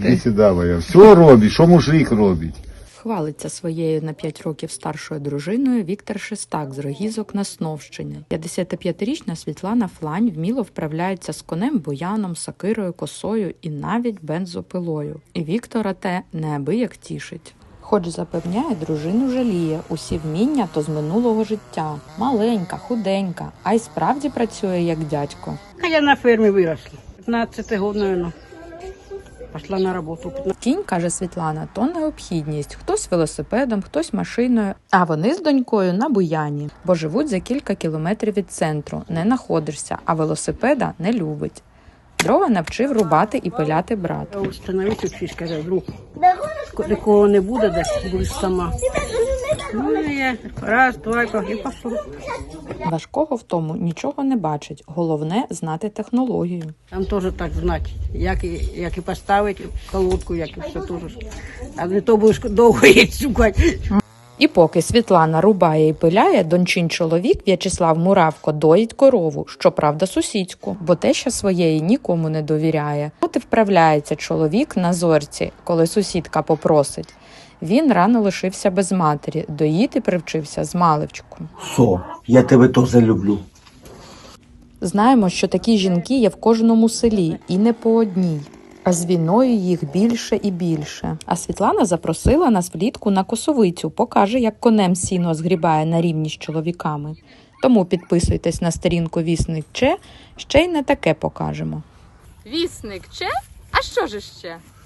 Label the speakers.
Speaker 1: Іди сюди, моя. Все робить, що мужик робить.
Speaker 2: Хвалиться своєю на 5 років старшою дружиною Віктор Шестак з Рогізок на Сновщині. 55-річна Світлана Флань вміло вправляється з конем, бояном, сокирою, косою і навіть бензопилою. І Віктора те неабияк тішить. Хоч запевняє, дружину жаліє, усі вміння то з минулого життя. Маленька, худенька, а й справді працює як дядько.
Speaker 3: А я на фермі виросла. 15 років, мабуть. Пішла на роботу.
Speaker 2: Кінь, каже Світлана, то необхідність. Хтось велосипедом, хтось машиною. А вони з донькою на буяні, бо живуть за кілька кілометрів від центру. Не находишся, а велосипеда не любить. Дрова навчив рубати і пиляти брат.
Speaker 3: Я установився, вчись, каже, вдруг такого не буде, десь будеш сама. Ну, я раз, два, і пішов.
Speaker 2: Важкого в тому нічого не бачить. Головне – знати технологію.
Speaker 3: Там теж так знати, як і поставити колодку, як і все теж. А не то будеш довго її шукати.
Speaker 2: І поки Світлана рубає і пиляє, дончин чоловік В'ячеслав Муравко доїть корову, щоправда сусідську, бо теща своєї нікому не довіряє. От і вправляється чоловік на зорці, коли сусідка попросить. Він рано лишився без матері, доїти привчився з маличку.
Speaker 4: Со, я тебе теж люблю.
Speaker 2: Знаємо, що такі жінки є в кожному селі, і не по одній. А з війною їх більше і більше. А Світлана запросила нас влітку на Косовицю, покаже, як конем сіно згрібає на рівні з чоловіками. Тому підписуйтесь на сторінку «Вісник Че», ще й не таке покажемо.
Speaker 5: Вісник Че? А що ж ще?